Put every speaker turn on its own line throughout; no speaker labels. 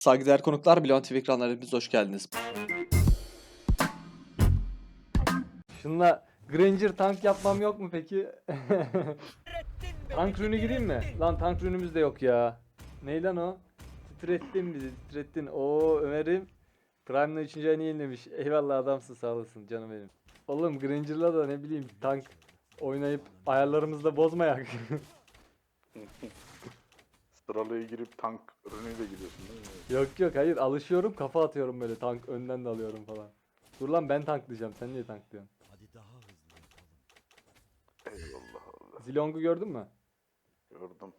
Saygıdeğer konuklar, Bilon TV ekranlarına hepiniz hoş geldiniz.
Şunla Granger tank yapmam yok mu peki? Tank rünü gireyim mi? Lan tank rünümüz de yok ya. Ney lan o? Titrettin bizi, titrettin. Oo Ömer'im. Prime'la 3. ayını yenilemiş. Eyvallah adamsın, sağ olasın canım benim. Oğlum Granger'la da ne bileyim tank oynayıp ayarlarımızı da bozmayak.
Sıralaya girip tank ürünüyle gidiyorsun değil mi?
Yok yok, hayır, alışıyorum, kafa atıyorum böyle, tank önden de alıyorum falan. Dur lan, ben tanklayacağım, sen niye tanklıyorsun?
Eyvallah Allah.
Zilong'u gördün mü?
Gördüm.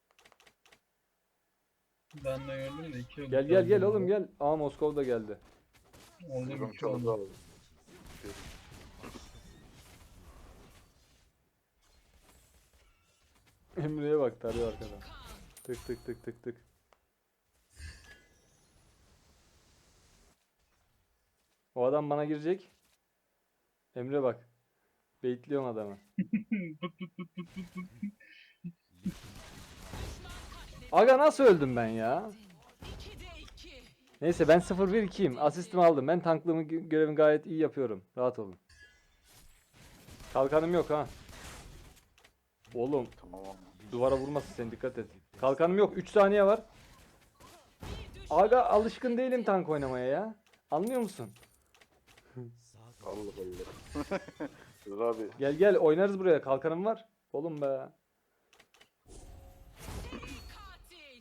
Ben de gördüm de 2 oldu.
Gel gel gel oğlum gel. Aa, Moskova da geldi.
Oldu
Sıkım
2
çaldı
oldu.
abi.
Emre'ye bak, tarıyor arkadan. Tık tık tık tık tık. O adam bana girecek. Emre bak. Baitliyorum adamı. Aga nasıl öldüm ben ya? Neyse, ben 0-1-2'yim. Asistimi aldım. Ben tanklığımı görevimi gayet iyi yapıyorum. Rahat olun. Kalkanım yok ha. Oğlum
Tamam ama.
duvara vurmasın, sen dikkat et. Kalkanım yok. 3 saniye var. Aga alışkın değilim tank oynamaya ya. Anlıyor musun?
Allah Allah. Dur abi.
Gel gel oynarız buraya. Kalkanım var. Oğlum be.
Katil.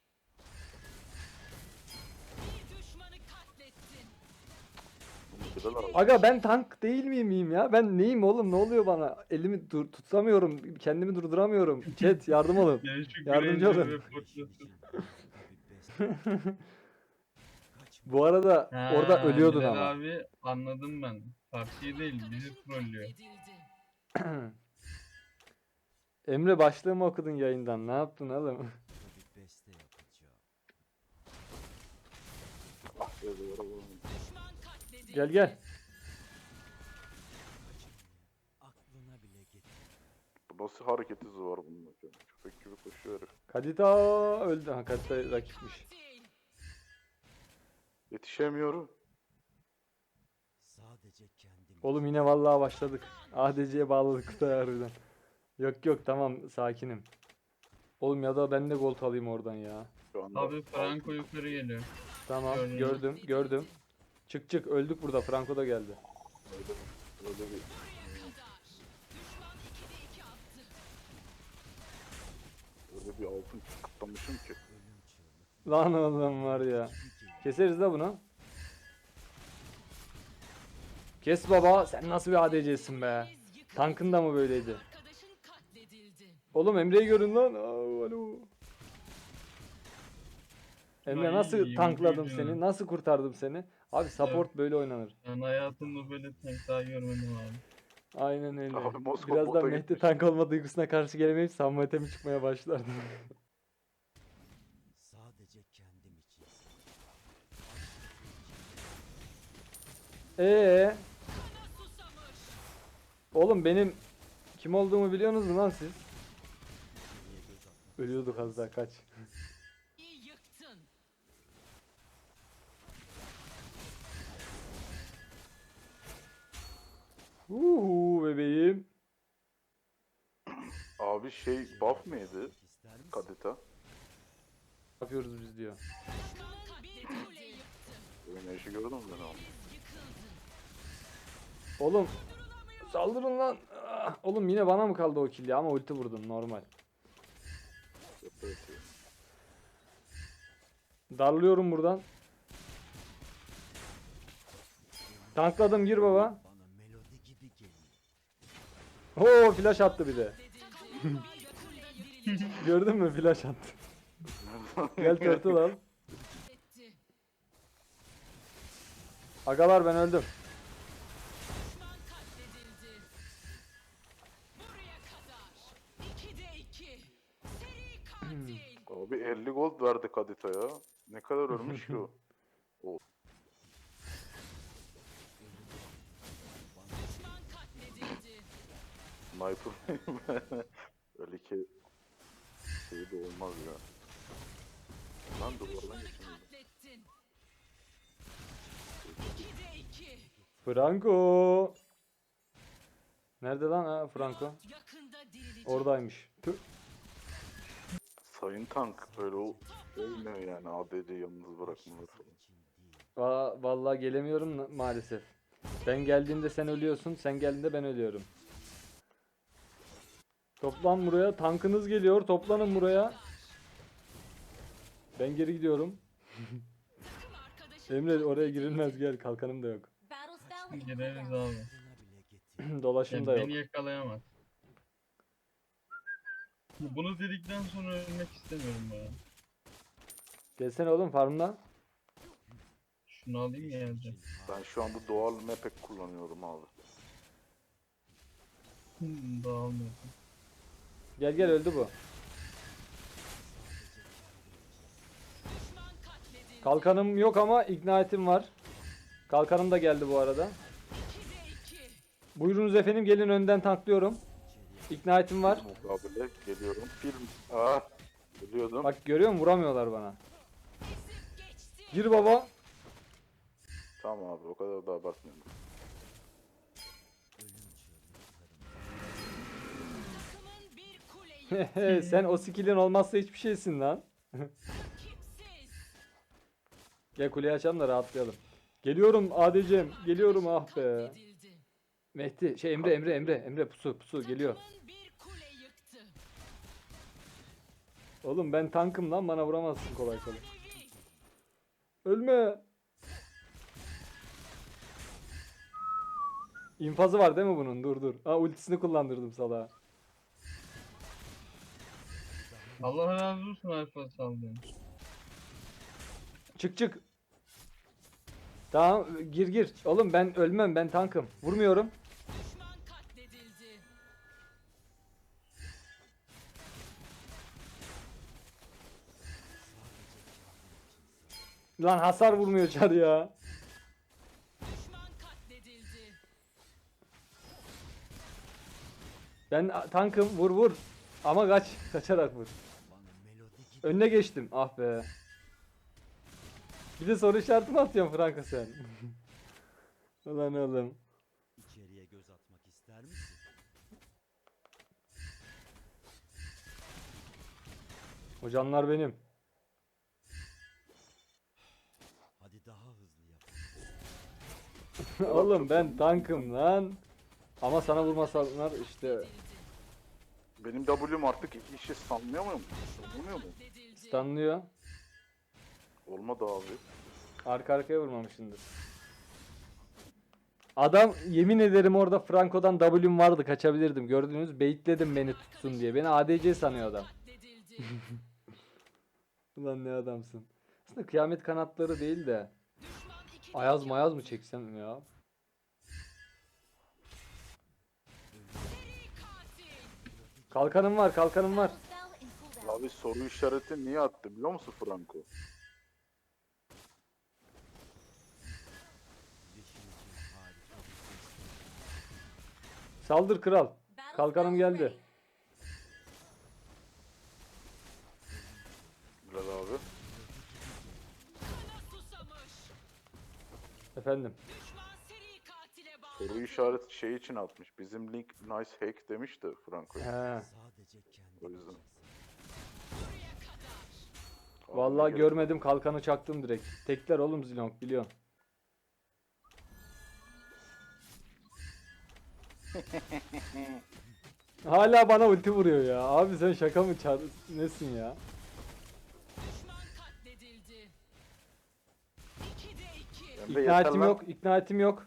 Bir düşmanı katlettin.
Bilal abi.
Aga ben tank değil miyim ya? Ben neyim oğlum? Ne oluyor bana? Elimi tutamıyorum. Kendimi durduramıyorum. Chat yardım olun.
Yani şu
Yardımcı
Granger
olun.
ve Fortress'ın.
Bu arada
Ha,
orada ölüyordun
Bilal
ama.
abi anladım ben. Partiyi değil bizi trollüyor.
Edildi.
Emre, başlığımı okudun yayından. Ne yaptın oğlum?
Ah be duvara vurma.
Düşman katledildi.
Gel gel.
Bu nasıl hareket hızı var bunun? Köpek gibi koşuyor herif.
Kadita öldü. Ha, Kadita rakipmiş.
Katil.
Yetişemiyorum.
Oğlum yine vallahi başladık. ADC'ye bağladık kutaya harbiden. Yok yok, tamam, sakinim. Oğlum ya da ben de gold alayım oradan ya.
Şu anda
Abi Franco yukarı geliyor.
Tamam,
Gördüm.
gördüm gördüm. Çık çık, öldük burada. Franco da geldi.
öyle bir
Kadar. Düşman 2'de 2 attı.
öyle bir altın kıtlamışım ki.
Lan oğlum var ya. Keseriz de bunu. Kes baba, sen nasıl bir ADC'sin be?
Biz yıkıldık.
Tankın da mı böyleydi?
Arkadaşın katledildi.
Oğlum Emre'yi görün lan. Aa, alo. Emre,
Ay,
nasıl
iyi
tankladım
vurdun
seni?
ya.
Nasıl kurtardım seni? Abi support böyle oynanır.
Ben hayatımda böyle tank daha görmedim abi.
Aynen öyle.
Abi Moskova
Birazdan
bota
Mehdi
gitmiş.
tank olma duygusuna karşı gelemeyip Samuet'e mi çıkmaya başlardı?
Sadece kendim için.
Kana
Susamış.
oğlum benim kim olduğumu biliyorsunuz mu lan siz? Ölüyorduk az daha, kaç.
İyi yıktın.
Uhu bebeğim.
Abi şey buff mıydı?
İster misin?
Kadita.
Ne yapıyoruz biz diyor.
Düşman bir kule yıktı.
Böyle işi gördün mü ben abi?
Yıkıldı.
Oğlum saldırın lan. Ah, oğlum yine bana mı kaldı o kill ya, ama ulti vurdum normal.
Yapıyor.
Darlıyorum buradan. Tankladım, gir baba.
Bana melodi gibi geliyor.
Oo, flash attı bir de.
Takımın bir kule dirilecek.
Gördün mü, flash attı. Gel turtle al.
Etti.
Agalar, ben öldüm.
Düşman katledildi. Buraya kadar. 2'de 2. Seri katil.
Abi 50 gold verdi Kadita'ya. Ne kadar ölmüş ki o?
Düşman katledildi.
Sniper. Öyle ki şey de olmaz ya. Lan duvardan geçemiyorum.
Katlettin.
Franco. Nerede lan ha Franco?
Yakında dirilecek.
Oradaymış. Tüh.
Sayın Tank böyle olmuyor yani ADC yalnız bırakmaları falan.
Vallahi gelemiyorum maalesef. Ben geldiğimde sen ölüyorsun, sen geldiğinde ben ölüyorum. Toplan buraya, tankınız geliyor, toplanın buraya. Ben geri gidiyorum.
Takım arkadaşın
Emre oraya girilmez, gel, kalkanım da yok.
Gireriz abi.
Buna bile getir.
Dolaşım
Yani
da yok.
beni yakalayamaz. Bunu dedikten sonra ölmek istemiyorum ya.
Gelsene oğlum farmla.
Şunu alayım ya evde.
Ben şu anda doğal mapek kullanıyorum abi.
Dağılmıyor.
Gel gel, öldü bu.
düşman katledildi.
Kalkanım yok ama ignitim var. Kalkanım da geldi bu arada.
2'de 2.
Buyurunuz efendim, gelin, önden tanklıyorum. Ignitim var.
Mukabele geliyorum. Film. Ah. Biliyordum.
Bak görüyor musun, vuramıyorlar bana.
Ezip geçti.
Gir baba.
Tamam abi o kadar da abartmayalım.
Takımın bir kule yıktı.
Sen o skill'in olmazsa hiçbir şeysin lan.
Rakipsiz.
Gel kuleyi açalım da rahatlayalım. Geliyorum ADC'm. Geliyorum, ah be.
Katledildi.
Mehdi şey, Emre pusu geliyor.
Takımın bir kule yıktı.
Oğlum ben tankım lan, bana vuramazsın kolay kolay.
Efsanevi.
Ölme. İnfazı var değil mi bunun? Dur. Aa, ultisini kullandırdım salağa.
Allah razı olsun Alfa saldığın.
Çık. Tamam, gir. Oğlum ben ölmem, ben tankım. Vurmuyorum.
Düşman katledildi.
Lan hasar vurmuyor Çar ya.
Düşman katledildi.
Ben tankım, vur. Ama kaçarak vur.
Bana melodi gibi
Önüne geçtim. Ah be. Bir de soru işareti mi atıyorsun Franco sen? Ulan oğlum.
içeriye göz atmak ister misin?
Hocanlar benim.
Hadi daha hızlı yap.
Oğlum ben tankım lan. Ama sana vurmasalar işte
Benim W'm artık işi sanmıyor muyum? Sanmıyor mu?
Katledildi.
stunlıyor.
Olmadı abi.
Arka arkaya vurmamışsındır. Adam, yemin ederim orada Franco'dan W'm vardı, kaçabilirdim. Gördünüz, baitledim beni tutsun diye. Beni ADC sanıyor adam.
Katledildi.
Ulan ne adamsın. Aslında kıyamet kanatları değil de
Düşman 2'de
Ayaz
2
mayaz mı çeksem ya?
seri katil.
Kalkanım var.
Abi soru işareti niye attı biliyor musun Franco?
Yeşil için harika bir ses.
Saldır kral. Kalkanım geldi.
Bilal abi.
Kana susamış.
Efendim.
Düşman seri katile bağlı.
Soru işareti şey için atmış. Bizim link nice hack demiş de Franco.
He.
Sadece kendi
O yüzden.
için savaş.
Buraya kadar.
Vallahi
Abi,
görmedim, kalkanı çaktım direkt. Tekler oğlum Zilong, biliyorsun. Hala bana ulti vuruyor ya. Abi sen şaka mı nesin ya?
Düşman katledildi. 2'de 2.
Emre yeter
İknatim
lan.
yok.
Sadece kendim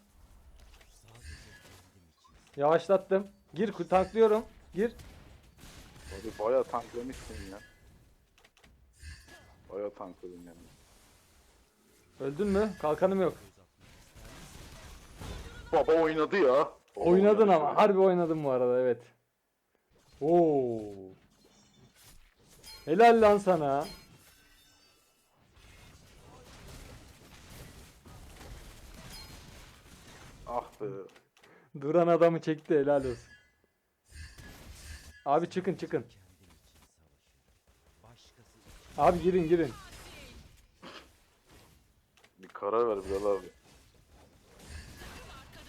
için.
Yavaşlattım. Gir, tanklıyorum. Gir.
Abi bayağı tanklamışsın ya. Bayağı tankladın yani.
Öldün mü? Kalkanım yok.
Baba oynadı ya. Baba
Oynadın
oynadı
ama.
şöyle.
Harbi oynadım bu arada, evet. Oo. Helal lan sana.
Ah be.
Duran adamı çekti, helal olsun. Abi çıkın.
Kendim için savaşırım. Başkası için.
Abi girin.
Bir karar ver Bilal abi.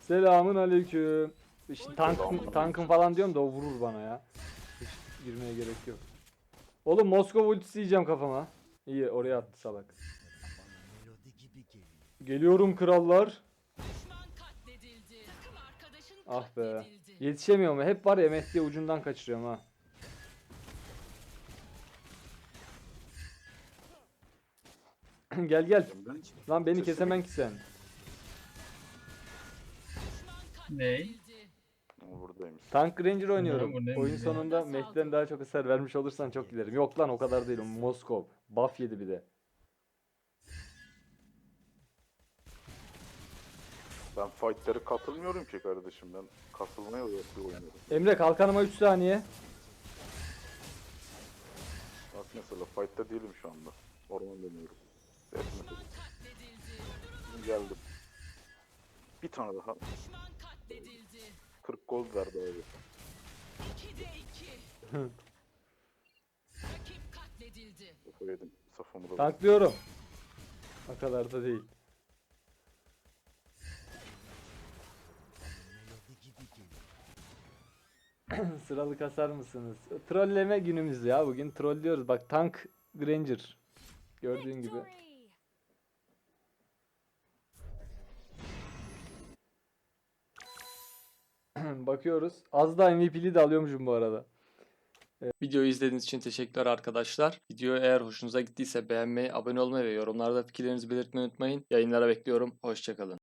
Selamun aleyküm. İşte
Selamun
tankın falan diyorum da o vurur bana ya. Hiç girmeye gerek yok. Oğlum Moskova ultisi yiyeceğim kafama. İyi oraya attı salak.
Bana melodi gibi geliyor.
Geliyorum krallar.
Düşman katledildi. Takım arkadaşın
Ah be.
katledildi.
Yetişemiyorum. Hep var ya MF diye ucundan kaçırıyorum ha. Gel gel.
Ben
Lan beni
Sesimi-
kesemen ki sen.
Düşman
Ney?
katledildi.
buradaymış.
Tank Ranger oynuyorum.
bu ne
Oyun
ya?
sonunda Mehdi'den daha çok hasar vermiş olursan çok giderim. Yok lan o kadar değil. O Moskov. Buff yedi bir de.
Ben fight'lere katılmıyorum ki kardeşim. Ben katılmaya oynuyorum.
Emre kalkanıma 3 saniye.
Bak mesela fight'ta değilim şu anda. Orman dönüyorum. Etmedim.
Katledildi.
Geldim. Bir tane daha.
Düşman katledildi.
40 gold verdi abi.
2'de 2. Rakip katledildi.
Kafa yedim. Safamı da
Tanklıyorum. O kadar da değil.
Bana melodi gibi geliyor.
Sıralı kasar mısınız? Trolleme günümüz ya. Bugün trollüyoruz. Bak Tank Granger. Gördüğün gibi. Bakıyoruz. Az da MVP'li de alıyormuşum bu arada.
Videoyu izlediğiniz için teşekkürler arkadaşlar. Video eğer hoşunuza gittiyse beğenmeyi, abone olmayı ve yorumlarda fikirlerinizi belirtmeyi unutmayın. Yayınlara bekliyorum. Hoşçakalın.